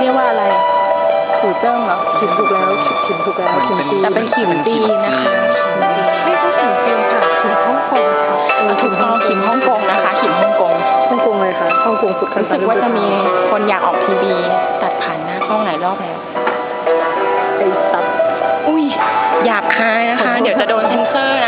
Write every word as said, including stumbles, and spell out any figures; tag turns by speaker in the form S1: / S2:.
S1: เรียกว่าอะไรถูเจิ้งเหรอ
S2: ขิมถูกแล้วขิมถูกแล้วขิมจีน
S1: แต่เป็นขิมจีนนะคะ
S2: ไม่ใช่ขิมจีนค่ะขิมฮ่องกงค่ะ
S1: ถูกต้องขิมฮ่องกงนะคะขิมฮ่องกง
S2: ฮ่องกงเลยค่ะฮ่องกงสุดคัน
S1: รู้สึกว่าจะมีคนอยากออกทีวีตัดผ่านหน้ากล้องหลายรอบแล้ว
S2: ไอ้ตับ
S1: อุ้ยหยาบคายนะคะ เดี๋ยวจะโดนเซ็นเซอร์